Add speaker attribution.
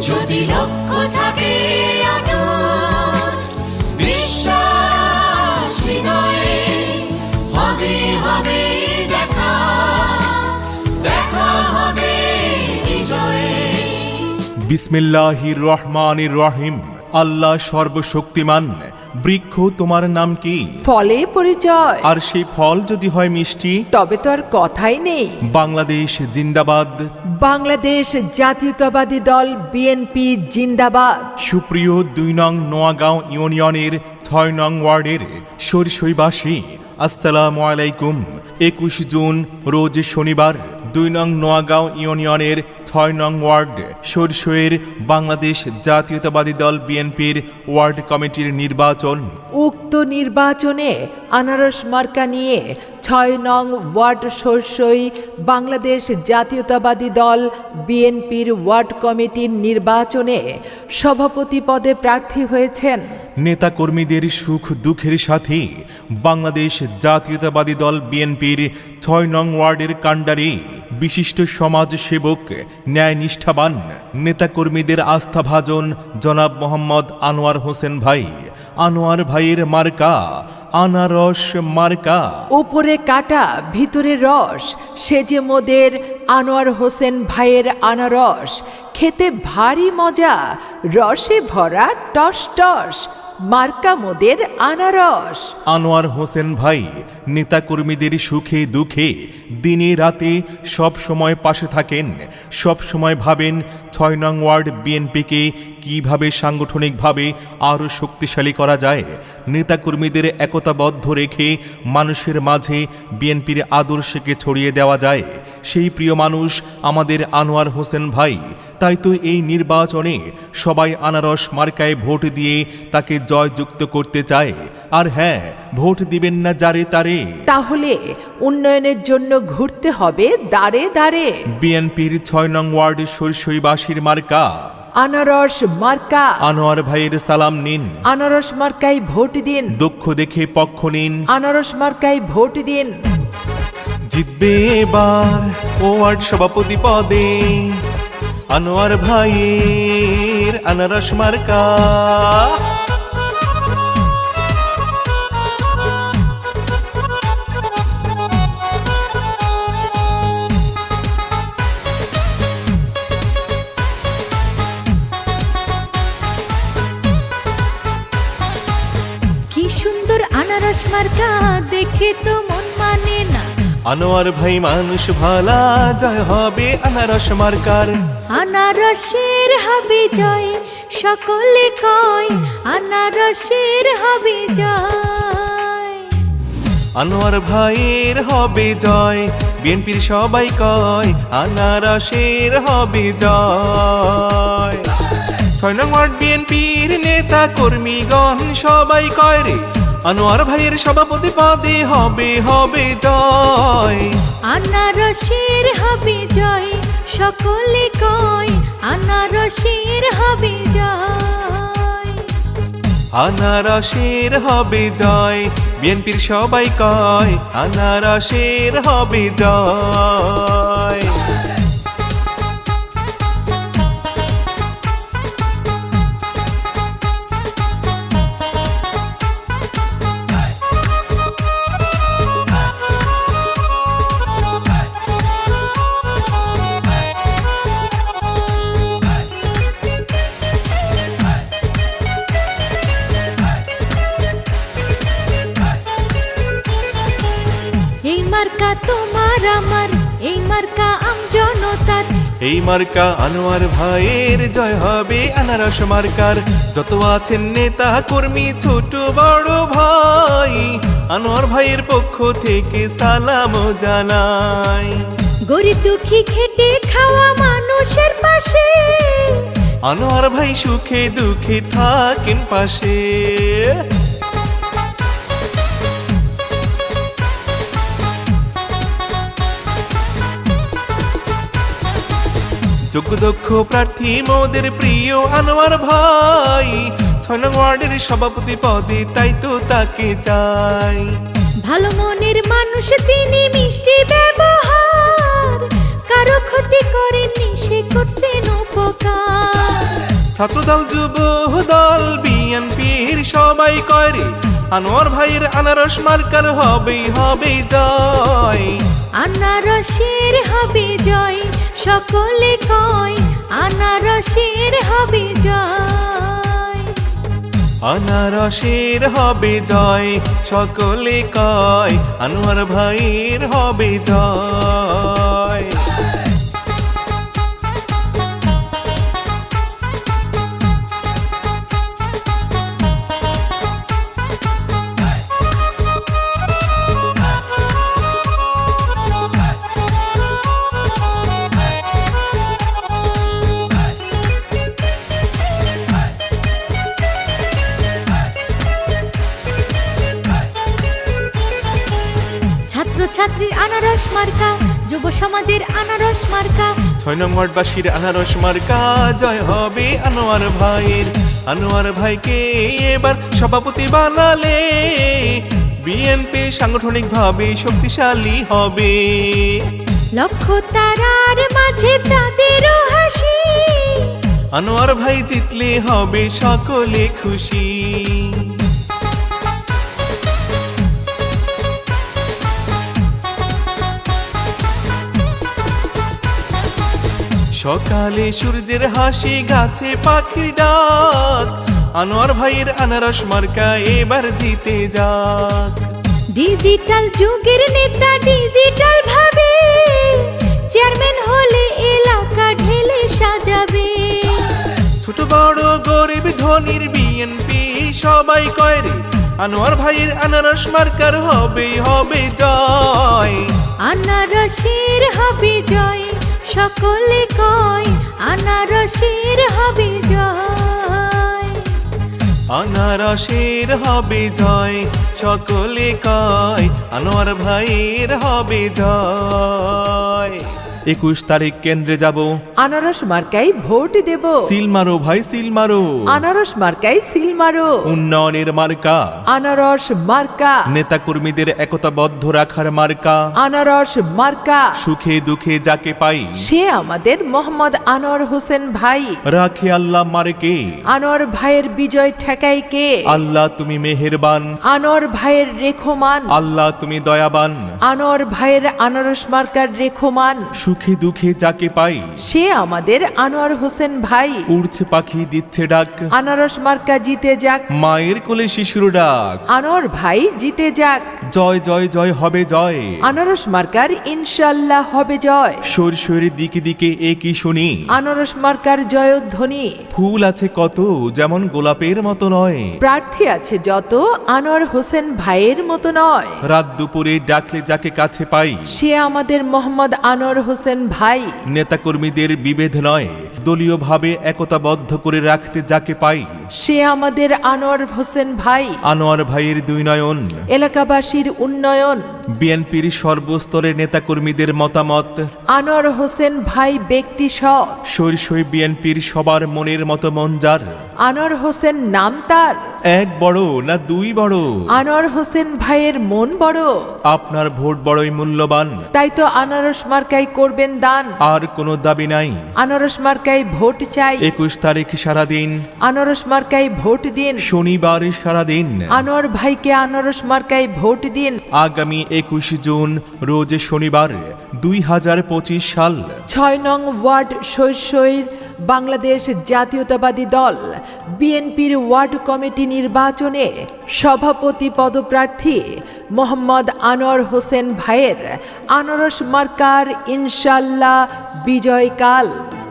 Speaker 1: যদি লক্ষ্য থাকে অটুট, বিশ্বাস হৃদয়ে, হবে হবে দেখা, দেখা হবে বিজয়ে।
Speaker 2: বিসমিল্লাহির রহমানির রহিম। আল্লাহ সর্বশক্তিমান। বৃক্ষ তোমার নাম কি?
Speaker 3: ফলে পরিচয়।
Speaker 2: আর সেই ফল যদি হয় মিষ্টি,
Speaker 3: তবে তো আর কথাই নেই।
Speaker 2: বাংলাদেশ জিন্দাবাদ।
Speaker 3: বাংলাদেশ জাতীয়তাবাদী দল বিএনপি জিন্দাবাদ।
Speaker 2: সুপ্রিয় ২ নং নোয়াগাঁও ইউনিয়নের ৬ নং ওয়ার্ডের সরসইবাসী, আসসালামু আলাইকুম। ২১ জুন রোজ শনিবার ২ নং নোয়াগাঁও ইউনিয়নের ৬ নং ওয়ার্ড সরসইয়ের বাংলাদেশ জাতীয়তাবাদী দল বিএনপির ওয়ার্ড কমিটির নির্বাচন।
Speaker 3: উক্ত নির্বাচনে আনারস মার্কা নিয়ে ৬ নং ওয়ার্ড সরসই বাংলাদেশ জাতীয়তাবাদী দল বিএনপির ওয়ার্ড কমিটির নির্বাচনে সভাপতি পদে প্রার্থী হয়েছেন
Speaker 2: নেতাকর্মীদের সুখ দুঃখের সাথে বাংলাদেশ জাতীয়তাবাদী দল বিএনপির ৬ নং ওয়ার্ডের কাণ্ডারি বিশিষ্ট সমাজসেবক, ন্যায়নিষ্ঠাবান, নেতাকর্মীদের আস্থাভাজন জনাব মোহাম্মদ আনোয়ার হোসেন ভাই। আনোয়ার ভাইয়ের মার্কা আনারস মার্কা।
Speaker 3: উপরে কাটা ভিতরে রস, সেজে মোদের আনোয়ার হোসেন ভাইয়ের আনারস। খেতে ভারী মজা, রসে ভরা টস টস, মার্কা মোদের আনারস।
Speaker 2: আনোয়ার হোসেন ভাই নেতাকর্মীদের সুখে দুঃখে দিনে রাতে সব সময় পাশে থাকেন। সব সময় ভাবেন ৬ নং ওয়ার্ড বিএনপিকে কিভাবে সাংগঠনিকভাবে আরও শক্তিশালী করা যায়, নেতাকর্মীদের একতাবদ্ধ রেখে মানুষের মাঝে বিএনপির আদর্শকে ছড়িয়ে দেওয়া যায়। সেই প্রিয় মানুষ আমাদের আনোয়ার হোসেন ভাই। তাই তো এই নির্বাচনে সবাই আনারস মার্কায় ভোট দিয়ে তাকে জয়যুক্ত করতে চায়। আর হ্যাঁ, ভোট দিবেন না যারে তারে।
Speaker 3: তাহলে উন্নয়নের জন্য ঘুরতে হবে দাঁড়ে দাঁড়ে।
Speaker 2: বিএনপির ৬ নং ওয়ার্ড সরসইবাসীর মার্কা
Speaker 3: আনারস মার্কা।
Speaker 2: আনোয়ার ভাইয়ের সালাম নিন।
Speaker 3: আনারস মার্কায় ভোট দিন।
Speaker 2: দক্ষ দেখে পক্ষ নিন।
Speaker 3: আনারস মার্কায় ভোট দিন।
Speaker 2: জিতবে এবার ওয়ার্ড সভাপতি পদে আনোয়ার ভাইয়ের আনারস মার্কা।
Speaker 4: কি সুন্দর আনারস মার্কা, দেখে তো মন মানে না।
Speaker 2: আনোয়ার ভাই মানুষ ভালা, জয় হবে আনারস মার্কার।
Speaker 4: আনারসের হবে জয়, সকলে কয় আনারসের হবে জয়।
Speaker 2: আনোয়ার ভাইয়ের হবে জয়, বিএনপির সবাই কয় আনারসের হবে জয়। ৬ নং ওয়ার্ড বিএনপির নেতা কর্মীগণ সবাই কয় রে আনোয়ার ভাইয়ের সভাপতি পদে হবে হবে জয়।
Speaker 4: আনারসের হবে জয়, সকলে কয় আনারসের হবে জয়।
Speaker 2: আনারসের হবে জয়, বিএনপির সবাই কয় আনারসের হবে জয়।
Speaker 4: এই মার্কা তোমার আমার, এই মার্কা আমজনতার।
Speaker 2: এই মার্কা আনোয়ার ভাইয়ের, জয় হবে আনারস মার্কার। যত আছেন নেতা কর্মী ছোট বড় ভাই, আনোয়ার ভাইয়ের পক্ষ থেকে সালাম জানাই।
Speaker 4: গরিব দুঃখী খেটে খাওয়া মানুষের পাশে,
Speaker 2: আনোয়ার ভাই সুখে দুঃখে থাকেন পাশে। যোগ্য দক্ষ প্রার্থী মোদের প্রিয় আনোয়ার ভাই, ৬ নং ওয়ার্ডের সভাপতি পদে তাই তো তাকে চাই।
Speaker 4: ভালো মনের মানুষ তিনি, মিষ্টি ব্যবহার, কারো ক্ষতি করেননি, সে করছেন উপকার।
Speaker 2: ছাত্রদল যুব দল বিএনপির সবাই করে আনোয়ার ভাইয়ের আনারস মার্কার হবেই হবেই জয়।
Speaker 4: আনারসের হবে জয়, সকলে কয় আনারসের হবে জয়।
Speaker 2: আনারসের হবে জয়, সকলে কয় আনোয়ার ভাইয়ের হবে জয়।
Speaker 4: ছাত্রছাত্রীর আনারস মার্কা, যুব সমাজের আনারস মার্কা।
Speaker 2: 6 নং ওয়ার্ডবাসীর আনারস মার্কা জয় হবে আনোয়ার ভাইয়ের। আনোয়ার ভাইকে এবার সভাপতি বানালে বিএনপি সাংগঠনিকভাবে শক্তিশালী হবে।
Speaker 4: লক্ষ তারার মাঝে চাঁদেরও হাসি,
Speaker 2: আনোয়ার ভাই জিতলে হবে সকলে খুশি। সকালে সূর্যের হাসি, গাছে পাখির ডাক, আনোয়ার ভাইয়ের আনারস মার্কা এবার জিতে যাক।
Speaker 4: ডিজিটাল যুগের নেতা ডিজিটাল ভাবে, চেয়ারম্যান হলে এলাকা ঢেলে সাজাবে।
Speaker 2: ছোট বড় গরিব ধনির বিএনপি সবাই কয় রে আনোয়ার ভাইয়ের আনারস মার্কার হবেই হবে জয়।
Speaker 4: আনারসের হবে জয়, সকলে কয় আনারসের হবে জয়।
Speaker 2: আনারসের হবে জয়, সকলে কয় আনোয়ার ভাইয়ের হবে জয়। 21 তারিখ কেন্দ্রে যাব,
Speaker 3: আনারস মার্কাই ভোট দেব।
Speaker 2: সিল মারো ভাই সিল মারো,
Speaker 3: আনারস মার্কাই সিল মারো।
Speaker 2: উন্নয়নের মার্কা,
Speaker 3: আনারস মার্কা।
Speaker 2: নেতা কর্মীদের একতাবদ্ধ রাখার মার্কা,
Speaker 3: আনারস মার্কা।
Speaker 2: সুখে দুঃখে যাকে পাই
Speaker 3: সে আমাদের মোহাম্মদ আনোয়ার হোসেন ভাই।
Speaker 2: রাখে আল্লাহ মার্কে,
Speaker 3: আনোয়ার ভাইয়ের বিজয় ঠেকাই কে?
Speaker 2: আল্লাহ তুমি মেহেরবান,
Speaker 3: আনোয়ার ভাইয়ের রেখমান।
Speaker 2: আল্লাহ তুমি দয়াবান।
Speaker 3: আনোয়ার ভাইয়ের আনারস মার্কার রেখমান।
Speaker 2: সুখে দুঃখে যাকে পাই
Speaker 3: সে আমাদের আনোয়ার হোসেন ভাই।
Speaker 2: উড়ছে পাখি দিচ্ছে ডাক,
Speaker 3: আনারস মার্কা জিতে যাক।
Speaker 2: মায়ের কোলে শিশুর ডাক,
Speaker 3: আনোয়ার ভাই জিতে যাক।
Speaker 2: জয় জয় জয় হবে জয়।
Speaker 3: আনারস মার্কার ইনশাল্লাহ হবে জয়।
Speaker 2: শৈর দিকে দিকে একই শুনি,
Speaker 3: আনারস মার্কার জয়ধ্বনি।
Speaker 2: ফুল আছে কত যেমন গোলাপের মতো নয়,
Speaker 3: প্রার্থী আছে যত আনোয়ার হোসেন ভাইয়ের মতো নয়।
Speaker 2: রাত দুপুরে ডাকলে যাকে কাছে পাই
Speaker 3: সে আমাদের মোহাম্মদ আনোয়ার হোসেন ভাই।
Speaker 2: নেতাকর্মীদের বিভেদ নয়, দলীয়ভাবে একতাবদ্ধ করে রাখতে যাকে পাই
Speaker 3: সে আমাদের আনোয়ার হোসেন ভাই।
Speaker 2: আনোয়ার ভাইয়ের দুই নয়ন,
Speaker 3: এলাকাবাসীর উন্নয়ন।
Speaker 2: বিএনপির সর্বস্তরের নেতাকর্মীদের মতামত,
Speaker 3: আনোয়ার হোসেন ভাই ব্যক্তি সৎ।
Speaker 2: শৈর বিএনপির সবার মনের মতো মন যার,
Speaker 3: আনোয়ার হোসেন নাম তার।
Speaker 2: এক বড় না দুই বড়,
Speaker 3: আনোয়ার হোসেন ভাইয়ের মন বড়।
Speaker 2: আপনার ভোট বড়ই মূল্যবান,
Speaker 3: তাই তো আনারস মার্কাই করবেন দান।
Speaker 2: আর কোনো দাবি নাই।
Speaker 3: আনারস মার্কাই ভোট চাই।
Speaker 2: 21 তারিখ সারাদিন,
Speaker 3: আনারস মার্কাই ভোট দিন।
Speaker 2: শনিবার সারাদিন,
Speaker 3: আনোয়ার ভাইকে আনারস মার্কাই ভোট দিন।
Speaker 2: আগামী 21 জুন রোজ শনিবার 2025 সাল
Speaker 3: 6 নং ওয়ার্ড শৈর বাংলাদেশ জাতীয়তাবাদী দল বিএনপির ওয়ার্ড কমিটি নির্বাচনে সভাপতি পদপ্রার্থী মোহাম্মদ আনোয়ার হোসেন ভাইয়ের আনারস মার্কার ইনশাল্লাহ বিজয়কাল।